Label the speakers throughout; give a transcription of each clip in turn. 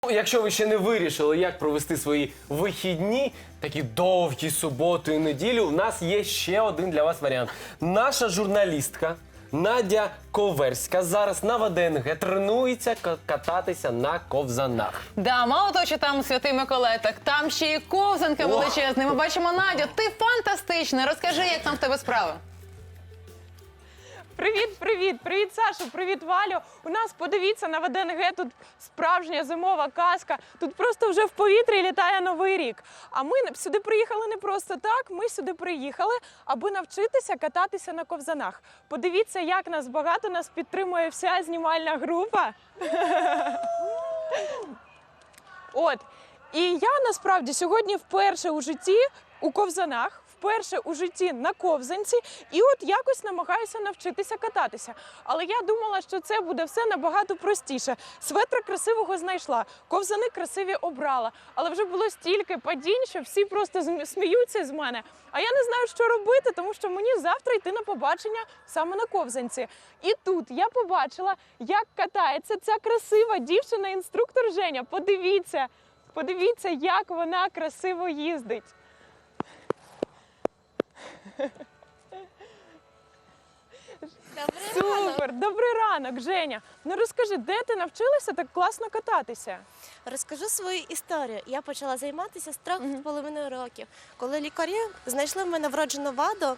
Speaker 1: Якщо ви ще не вирішили, як провести свої вихідні, такі довгі суботу і неділю, у нас є ще один для вас варіант. Наша журналістка Надя Коверська зараз на ВДНГ тренується кататися на ковзанах.
Speaker 2: Да, мало того, що там Святий Миколай, так там ще і ковзанка величезна. Ми бачимо Надю, ти фантастична. Розкажи, як там в тебе справи?
Speaker 3: Привіт, Сашу, привіт, Валю. У нас, подивіться, на ВДНГ тут справжня зимова казка. Тут просто вже в повітрі літає Новий рік. А ми сюди приїхали не просто так, ми сюди приїхали, аби навчитися кататися на ковзанах. Подивіться, як нас багато, нас підтримує вся знімальна група. От. І я, насправді, сьогодні вперше у житті у ковзанах, вперше у житті на ковзанці, і от якось намагаюся навчитися кататися. Але я думала, що це буде все набагато простіше. Светра красивого знайшла, ковзани красиві обрала, але вже було стільки падінь, що всі просто сміються з мене. А я не знаю, що робити, тому що мені завтра йти на побачення саме на ковзанці. І тут я побачила, як катається ця красива дівчина-інструктор Женя. Подивіться, як вона красиво їздить. Супер! Добрий ранок, Женя. Ну розкажи, де ти навчилася так класно кататися?
Speaker 4: Розкажу свою історію. Я почала займатися з 3,5 років, коли лікарі знайшли в мене вроджену ваду,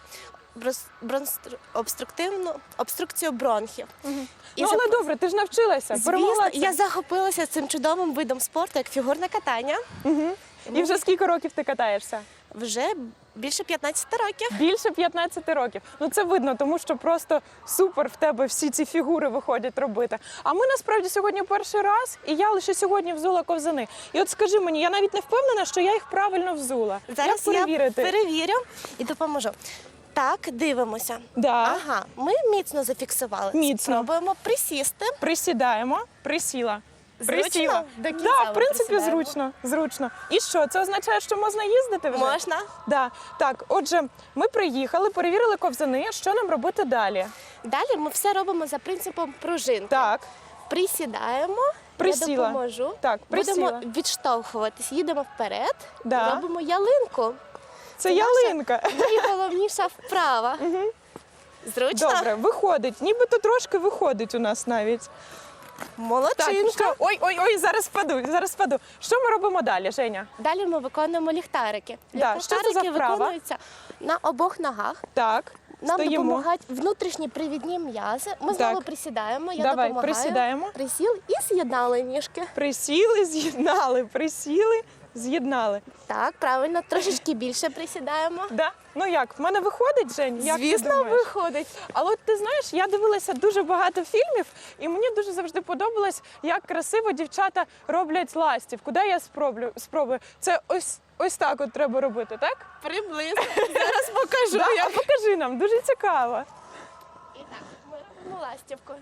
Speaker 4: обструкцію бронхів.
Speaker 3: Ну, але добре, ти ж навчилася, перемогла це.
Speaker 4: Я захопилася цим чудовим видом спорту, як фігурне катання.
Speaker 3: І вже скільки років ти катаєшся?
Speaker 4: Вже більше 15 років.
Speaker 3: Більше 15 років. Ну це видно, тому що просто супер в тебе всі ці фігури виходять робити. А ми насправді сьогодні перший раз, і я лише сьогодні взула ковзани. І от скажи мені, я навіть не впевнена, що я їх правильно взула.
Speaker 4: Зараз
Speaker 3: як перевірити?
Speaker 4: я перевірю і допоможу. Так, дивимося.
Speaker 3: Да.
Speaker 4: Ага, ми міцно зафіксували.
Speaker 3: Міцно.
Speaker 4: Спробуємо присісти.
Speaker 3: Присідаємо, присіла.
Speaker 4: Зручно?
Speaker 3: Присіла.
Speaker 4: До кінця
Speaker 3: Да, в
Speaker 4: ми
Speaker 3: принципі,
Speaker 4: присідаємо.
Speaker 3: зручно. І що, це означає, що можна їздити вже?
Speaker 4: Можна.
Speaker 3: Да. Так, отже, ми приїхали, перевірили ковзани. Що нам робити далі?
Speaker 4: Далі ми все робимо за принципом пружинки.
Speaker 3: Так,
Speaker 4: Присідаємо,
Speaker 3: Присіла.
Speaker 4: я допоможу.
Speaker 3: Так, присіла.
Speaker 4: Будемо відштовхуватись, їдемо вперед,
Speaker 3: Да.
Speaker 4: робимо ялинку.
Speaker 3: це
Speaker 4: наша
Speaker 3: ялинка.
Speaker 4: Найголовніша вправа. Зручно?
Speaker 3: Добре, виходить. Нібито трошки виходить у нас навіть. Так,
Speaker 4: Молодчинка.
Speaker 3: що? Ой, зараз впаду. Що ми робимо далі, Женя?
Speaker 4: Далі ми виконуємо ліхтарики.
Speaker 3: Да, що це за
Speaker 4: Ліхтарики
Speaker 3: вправа?
Speaker 4: виконуються на обох ногах.
Speaker 3: Так,
Speaker 4: Нам
Speaker 3: стоїмо.
Speaker 4: допомагають внутрішні привідні м'язи. Ми знову
Speaker 3: Так.
Speaker 4: присідаємо, я
Speaker 3: Давай,
Speaker 4: допомагаю.
Speaker 3: присідаємо.
Speaker 4: Присіл і з'єднали ніжки.
Speaker 3: Присіли, з'єднали.
Speaker 4: Так, правильно, трошечки більше присідаємо.
Speaker 3: Да? Ну як, в мене виходить, Жень? Як ти
Speaker 4: Звісно,
Speaker 3: думаєш?
Speaker 4: виходить.
Speaker 3: Але от ти знаєш, я дивилася дуже багато фільмів, і мені дуже завжди подобалось, як красиво дівчата роблять ластівку. Дай я спробую. Це ось так от треба робити, так?
Speaker 4: Приблизно. Зараз покажу.
Speaker 3: Да? А покажи нам, дуже цікаво.
Speaker 4: І так, ми робимо ластівку.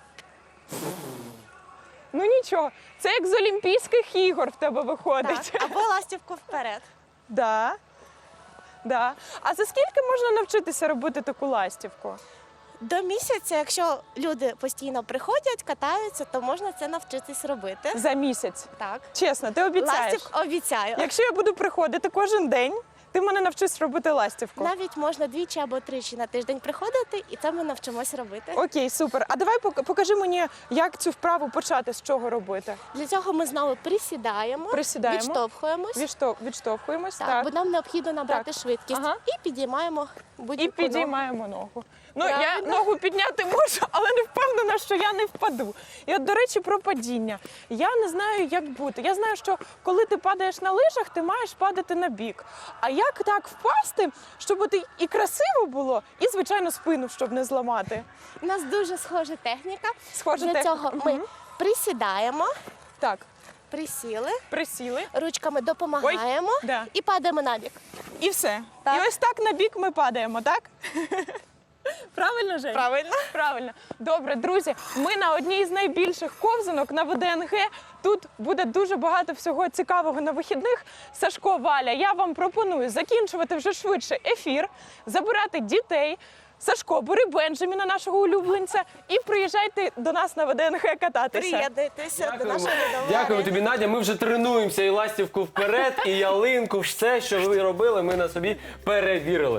Speaker 3: Ну нічого, це як з Олімпійських ігор в тебе виходить.
Speaker 4: Так, або ластівку вперед.
Speaker 3: Да. Да. А за скільки можна навчитися робити таку ластівку?
Speaker 4: До місяця, якщо люди постійно приходять, катаються, то можна це навчитись робити.
Speaker 3: За місяць.
Speaker 4: Так.
Speaker 3: Чесно, ти обіцяєш?
Speaker 4: Ластівку обіцяю.
Speaker 3: Якщо я буду приходити кожен день, ти мене навчиш робити ластівку.
Speaker 4: Навіть можна 2 або 3 на тиждень приходити, і це ми навчимося робити.
Speaker 3: Окей, супер. А давай покажи мені, як цю вправу почати, з чого робити.
Speaker 4: Для цього ми знову присідаємо, відштовхуємось.
Speaker 3: Відштовхуємось,
Speaker 4: Так,
Speaker 3: так.
Speaker 4: бо нам необхідно набрати
Speaker 3: Так.
Speaker 4: швидкість.
Speaker 3: Ага.
Speaker 4: І підіймаємо
Speaker 3: І
Speaker 4: будь-яку ногу.
Speaker 3: підіймаємо ногу. Ну, я
Speaker 4: Правильно.
Speaker 3: ногу підняти можу, але не впевнена, що я не впаду. І от, до речі, про падіння. Я не знаю, як бути. Я знаю, що коли ти падаєш на лижах, ти маєш падати на бік. А як так впасти, щоб от і красиво було, і, звичайно, спину, щоб не зламати?
Speaker 4: У нас дуже схожа техніка.
Speaker 3: Схожа
Speaker 4: Для
Speaker 3: техніка.
Speaker 4: цього ми присідаємо,
Speaker 3: Так,
Speaker 4: присіли,
Speaker 3: присіли.
Speaker 4: ручками допомагаємо
Speaker 3: да.
Speaker 4: і падаємо на бік.
Speaker 3: І все.
Speaker 4: Так.
Speaker 3: І ось так на бік ми падаємо, так? Правильно, Жень?
Speaker 4: Правильно.
Speaker 3: Правильно. Добре, друзі, ми на одній з найбільших ковзанок на ВДНГ. Тут буде дуже багато всього цікавого на вихідних. Сашко, Валя, я вам пропоную закінчувати вже швидше ефір, забирати дітей, Сашко, бери Бенджаміна, нашого улюбленця, і приїжджайте до нас на ВДНГ кататися.
Speaker 4: Приєднуйтеся до нашого недовари.
Speaker 1: Дякую тобі, Надя. Ми вже тренуємося і ластівку вперед, і ялинку, все, що ви робили, ми на собі перевірили.